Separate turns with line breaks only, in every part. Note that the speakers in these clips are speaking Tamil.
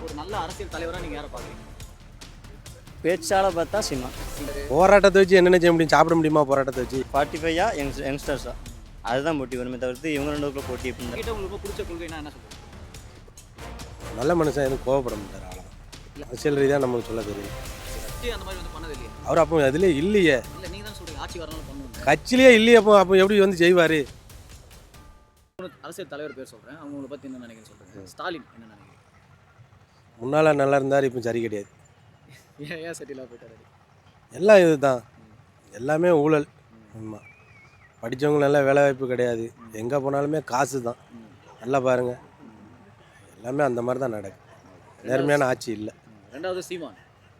ஒரு நல்ல அரசியல் தலைவராக நீங்கள் யாரை பார்க்குறீங்க?
பேச்சால பார்த்தா சீமான்.
போராட்டத்தை வச்சு என்னென்ன செய்ய முடியும்? சாப்பிட முடியுமா போராட்டத்தை வச்சு?
45 யங்ஸ்டர்ஸா அதுதான் போட்டி வருமே தவிர்த்து இவங்க ரெண்டுக்குள்ள போட்டி எப்படி
கிட்ட உங்களுக்கு ரொம்ப பிடிச்ச கொள்கைனா என்ன சொல்லுங்க?
நல்ல மனுஷன் எதுவும் கோவப்பட மாட்டார், அவ்வளோதான். அரசியல் ரீதியாக நமக்கு சொல்ல தெரியும்.
கட்சி அந்த மாதிரி வந்து பண்ணது இல்லையா?
அவர் அப்போ அதுலேயே இல்லையே,
இல்லை நீங்கள் தான் சொல்கிறீங்க ஆட்சி வரனால பண்ணுவோம்.
கட்சியிலேயே இல்லையே. அப்போ எப்படி வந்து செய்வார்?
அரசியல் தலைவர் பேர் சொல்கிறேன், அவங்கள பற்றி என்ன நினைக்கிறேன்னு சொல்கிறேன். ஸ்டாலின் என்ன நினைக்கிறீங்க?
முன்னால் நல்லா இருந்தார், இப்போ சரி கிடையாது.
ஏன் செட்டிலாக போயிட்டாரு?
எல்லாம் இது தான், எல்லாமே ஊழல். ஆமாம், படித்தவங்க நல்லா வேலை வாய்ப்பு கிடையாது, எங்கே போனாலுமே காசு தான். நல்லா பாருங்கள், எல்லாமே அந்த மாதிரி தான் நடக்குது. நேர்மையான ஆட்சி இல்லை.
ரெண்டாவது சீமான்.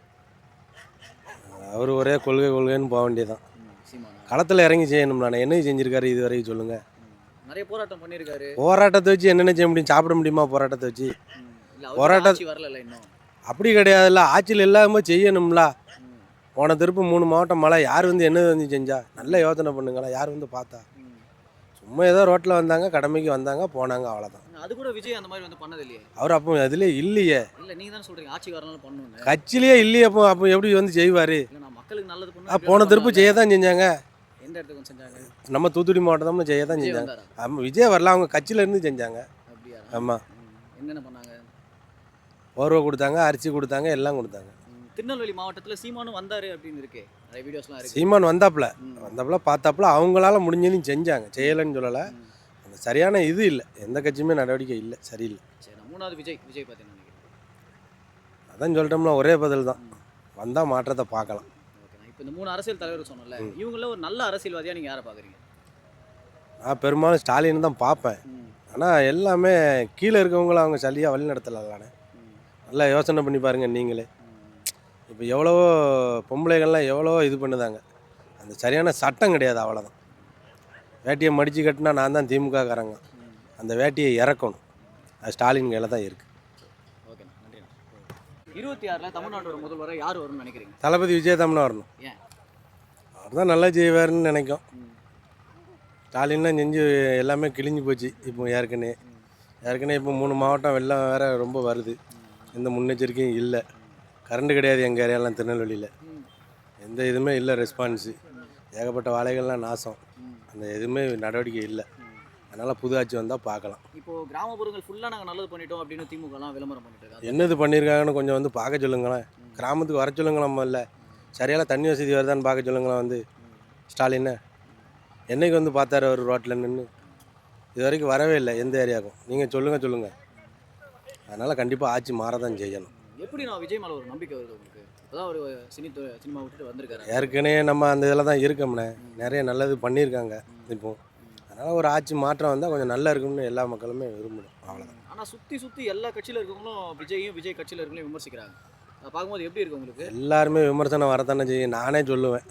அவர் ஒரே கொள்கைன்னு போக வேண்டியதான்.
சீமான்
களத்தில் இறங்கி செய்யணும். நான் என்ன செஞ்சுருக்காரு இது வரைக்கும் சொல்லுங்கள்?
நிறைய போராட்டம் பண்ணியிருக்காரு.
போராட்டத்தை வச்சு என்னென்ன செய்ய முடியும்? சாப்பிட முடியுமா போராட்டத்தை வச்சு?
போராட்டம் வரல இன்னும்.
அப்படி கிடையாதுல்ல, ஆட்சியில் எல்லாமே செய்யணும்ல. போன திருப்பு 3 மாவட்டம் மழை, யார் வந்து என்ன வந்து செஞ்சா? நல்ல யோசனை பண்ணுங்களா, யார் வந்து பார்த்தா? சும்மா ஏதோ ரோட்டில் வந்தாங்க, கடமைக்கு வந்தாங்க, போனாங்க, அவ்வளோதான்.
அது கூட விஜய் அந்த மாதிரி வந்து பண்ணது இல்லையே.
அவர் அப்போ அதுலேயே இல்லையே.
இல்லை நீங்கள் தான் சொல்கிறீங்க ஆட்சி வரனால பண்ணணும்.
கட்சியிலேயே இல்லையே. அப்போ எப்படி வந்து செய்வார்?
இல்லை நான் மக்களுக்கு நல்லது பண்ண.
போன திருப்பு செய்ய தான் செஞ்சாங்க.
எந்த இடத்துக்கு செஞ்சாங்க?
நம்ம தூத்துக்குடி மாவட்டம்னு செய்ய தான் செஞ்சாங்க. ஆமாம், விஜய் வரல, அவங்க கட்சியிலேருந்து செஞ்சாங்க.
அப்படியா?
ஆமாம்.
என்னென்ன பண்ணாங்க?
போர்வை கொடுத்தாங்க, அரிசி கொடுத்தாங்க, எல்லாம் கொடுத்தாங்க.
திருநெல்வேலி மாவட்டத்தில் சீமானும் வந்தார் அப்படின்னு இருக்கு, நிறைய வீடியோஸ்லாம் இருக்கு.
சீமான் வந்தாப்புல பார்த்தாப்புல அவங்களால முடிஞ்சதையும் செஞ்சாங்க, செய்யலைன்னு சொல்லலை. அந்த சரியான இது இல்லை, எந்த கட்சியுமே நடவடிக்கை இல்லை, சரியில்லை.
சரி, மூணாவது விஜய் பார்த்தீங்கன்னா
அதான் சொல்லிட்டோம்னா ஒரே பதில் தான், வந்தால் மாற்றத்தை பார்க்கலாம்.
ஓகே, இப்போ இந்த 3 அரசியல் தலைவர் சொன்னல, இவங்கள ஒரு நல்ல அரசியல்வாதியாக நீங்கள் யாரை பார்க்குறீங்க?
நான் பெரும்பாலும் ஸ்டாலின் தான் பார்ப்பேன். ஆனால் எல்லாமே கீழே இருக்கவங்கள அவங்க சரியாக வழி நடத்தலானே. நல்லா யோசனை பண்ணி பாருங்கள் நீங்களே. இப்போ எவ்வளவோ பொம்பளைகள்லாம் எவ்வளவோ இது பண்ணுதாங்க, அந்த சரியான சட்டம் கிடையாது, அவ்வளோதான். வேட்டியை மடித்து கட்டினா நான் தான் திமுககாரங்க, அந்த வேட்டியை இறக்கணும், அது ஸ்டாலின் கையில் தான் இருக்குது.
ஓகே, நன்றி. 26ல் தமிழ்நாட்டோட முதல்வரை யார் வரும்னு நினைக்கிறீங்க?
தளபதி விஜய் தான் வரணும்.
ஏன்?
அவர் தான் நல்லா செய்வார்னு நினைக்கும். ஸ்டாலின்லாம் செஞ்சு எல்லாமே கிழிஞ்சு போச்சு. இப்போ ஏற்கனவே இப்போ 3 மாவட்டம் வெள்ளம் வேறு ரொம்ப வருது, எந்த முன்னெச்சரிக்கையும் இல்லை. கரண்ட் கிடையாது எங்கள் ஏரியாலாம், திருநெல்வேலியில் எந்த இதுவுமே இல்லை, ரெஸ்பான்ஸு. ஏகப்பட்ட வாழைகள்லாம் நாசம், அந்த எதுவுமே நடவடிக்கை இல்லை. அதனால் புது ஆட்சி வந்தால் பார்க்கலாம்.
இப்போது கிராமப்புறங்கள் ஃபுல்லாக நாங்கள் நல்லது பண்ணிட்டோம் அப்படின்னு திமுகலாம் விளம்பரம் பண்ணிட்டு
என்னது பண்ணியிருக்காங்கன்னு கொஞ்சம் வந்து பார்க்க சொல்லுங்களேன். கிராமத்துக்கு வர சொல்லுங்களேன். இல்லை சரியான தண்ணி வசதி வருதான்னு பார்க்க சொல்லுங்களேன். வந்து ஸ்டாலின் என்னைக்கு வந்து பார்த்தாரு அவர் ரோட்டில் நின்று? இது வரைக்கும் வரவே இல்லை எந்த ஏரியாவுக்கும். நீங்கள் சொல்லுங்கள். அதனால் கண்டிப்பாக ஆட்சி மாறதான் செய்யணும்.
எப்படி நான் விஜய் மேலே ஒரு நம்பிக்கை வருது உங்களுக்கு? இப்போதான் ஒரு சினிமா விட்டுட்டு வந்திருக்காரு.
ஏற்கனவே நம்ம அந்த இதில் தான் இருக்கோம்னே, நிறைய நல்லது பண்ணியிருக்காங்க. இப்போ அதனால் ஒரு ஆட்சி மாற்றம் வந்தால் கொஞ்சம் நல்லா இருக்கும்னு எல்லா மக்களுமே விரும்பணும், அவ்வளோதான்.
ஆனால் சுற்றி எல்லா கட்சியில் இருக்கவங்களும் விஜய் கட்சியில் இருக்கவங்களையும் விமர்சிக்கிறாங்க. அதை பார்க்கும்போது எப்படி இருக்கு உங்களுக்கு?
எல்லாருமே விமர்சனம் வரத்தானே செய்யும். நானே சொல்லுவேன்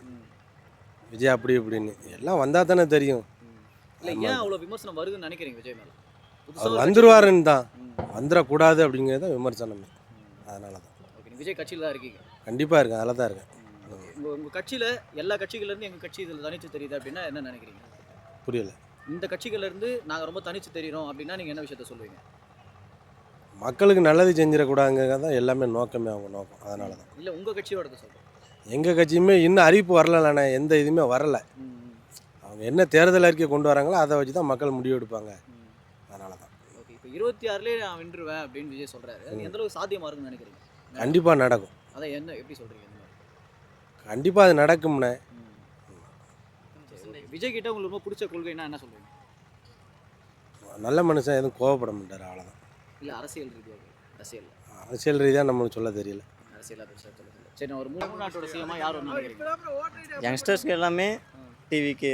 விஜய் அப்படி இப்படின்னு, எல்லாம் வந்தால் தானே தெரியும்.
இல்லை, ஏன் அவ்வளோ விமர்சனம் வருதுன்னு நினைக்கிறீங்க விஜய் மேலே?
அவர் வந்துருவாருன்னு தான், வந்துடக்கூடாது அப்படிங்கிறது தான் விமர்சனமே. அதனால தான்.
ஓகே, விஜய் கட்சியில் தான் இருக்கீங்க?
கண்டிப்பாக இருக்கேன், அதில் தான் இருக்கேன்.
உங்கள் கட்சியில் எல்லா கட்சிகள்லேருந்து எங்கள் கட்சி இதில் தனித்து தெரியுது அப்படின்னா என்ன நினைக்கிறீங்க?
புரியல.
இந்த கட்சிகள்லேருந்து நாங்கள் ரொம்ப தனித்து தெரிகிறோம் அப்படின்னா நீங்கள் என்ன விஷயத்த சொல்லுவீங்க?
மக்களுக்கு நல்லது செஞ்சிடக்கூடாதுங்க தான் எல்லாமே நோக்கமே, அவங்க நோக்கம். அதனால தான்.
இல்லை, உங்கள் கட்சியோட சொல்கிறேன்.
எங்கள் கட்சியுமே இன்னும் அறிவிப்பு வரலண்ணே, எந்த இதுவுமே வரலை. அவங்க என்ன தேர்தல் அறிக்கை கொண்டு வராங்களோ அதை வச்சு தான் மக்கள் முடிவு எடுப்பாங்க. அதனால தான்.
ஓகே, இப்போ 26லே நான் வென்றுவேன் அப்படின்னு விஜய் சொல்கிறாரு. எந்த அளவுக்கு சாத்தியமாக இருக்குன்னு நினைக்கிறீங்க?
கண்டிப்பாக நடக்கும்.
அதை என்ன எப்படி சொல்கிறீங்க?
கண்டிப்பாக அது நடக்கும்ண்ணே.
விஜய் கிட்ட உங்களுக்கு ரொம்ப பிடிச்ச கொள்கைன்னா என்ன சொல்லுவீங்க?
நல்ல மனுஷன் எதுவும் கோவப்பட மாட்டார், அவ்வளோதான்.
இல்லை, அரசியல் ரீதியாக?
அரசியல் ரீதியாக நம்மளுக்கு சொல்ல தெரியல.
அரசியலாக பெருசாக சொல்ல. சரி, நான் ஒரு தமிழ்நாட்டோட சிஎம்மா யார் ஒன்று நினைக்கிறீங்க?
யங்ஸ்டர்ஸ்க்கு எல்லாமே டிவிக்கு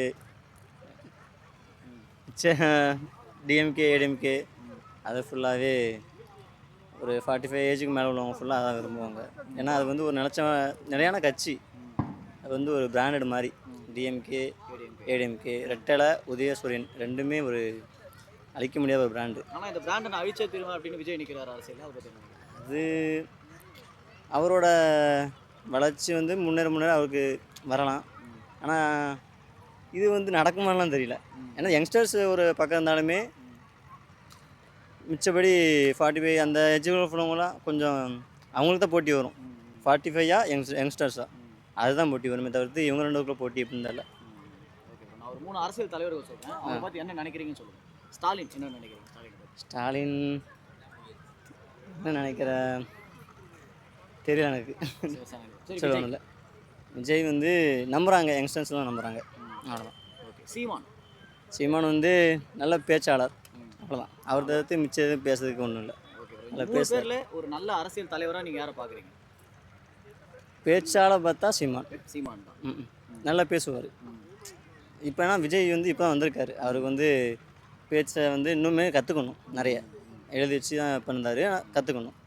டிஎம்கே ஏடிஎம்கே அது ஃபுல்லாகவே ஒரு 45 ஏஜுக்கு மேலே உள்ளவங்க ஃபுல்லாக அதான் விரும்புவாங்க. ஏன்னா அது வந்து ஒரு நிலையான கட்சி, அது வந்து ஒரு பிராண்டட் மாதிரி. டிஎம்கே ஏடிஎம்கே ரெட்டலை உதயசூரியன் ரெண்டுமே ஒரு அழிக்க முடியாத ஒரு பிராண்டு.
ஆனால் இந்த பிராண்டை நான் அழிச்சே தருவேன் அப்படின்னு விஜய் நிற்கிறார் அரசியல்.
அது அவரோட வளர்ச்சி வந்து முன்னேற அவருக்கு வரலாம். ஆனால் இது வந்து நடக்குமாலாம் தெரியல. ஏன்னா யங்ஸ்டர்ஸ் ஒரு பக்கம் இருந்தாலுமே மிச்சபடி 45 அந்த ஏஜுக்குள்ள உள்ளவங்களாம் கொஞ்சம் அவங்களுக்கு தான் போட்டி வரும். 45யா யங்ஸ்டர்ஸா அதுதான் போட்டி வருமே தவிர்த்து இவங்க 2 பேருக்குள்ள போட்டி எப்படின்னு தெரியல.
Okay bro. நான் ஒரு 3 அரசியல் தலைவர்கள் சொல்றேன். அவங்க பத்தி என்ன நினைக்கிறீங்கன்னு சொல்லுங்க. ஸ்டாலின் என்ன நினைக்கிறீங்க ஸ்டாலின் பத்தி?
ஸ்டாலின் என்ன நினைக்கிற தெரியல எனக்கு.
சரி
சொல்லணும் இல்லை. விஜய் வந்து நம்புகிறாங்க, யங்ஸ்டர்ஸ்லாம் நம்புகிறாங்க, அவ்வளோதான்.
ஓகே. சீமான்
சீமான் வந்து நல்ல பேச்சாளர், அவ்வளோதான். அவர் தவிர்த்து மிச்சம் எதுவும் பேசுறதுக்கு ஒன்றும் இல்லை.
Okay bro.
நல்லா
இந்த 3
பேசுறாரு.
பேர்ல ஒரு நல்ல அரசியல் தலைவரா நீங்க யாரை பாக்குறீங்க?
பேச்சாளர் பார்த்தா சீமான்.
சீமான் தான்.
ம் நல்லா பேசுவார். இப்போனா விஜய் வந்து இப்போ தான் வந்திருக்காரு. அவருக்கு வந்து பேச்சை வந்து இன்னுமே கற்றுக்கணும், நிறைய எழுதி வச்சு தான் இப்போ இருந்தார், கற்றுக்கணும்.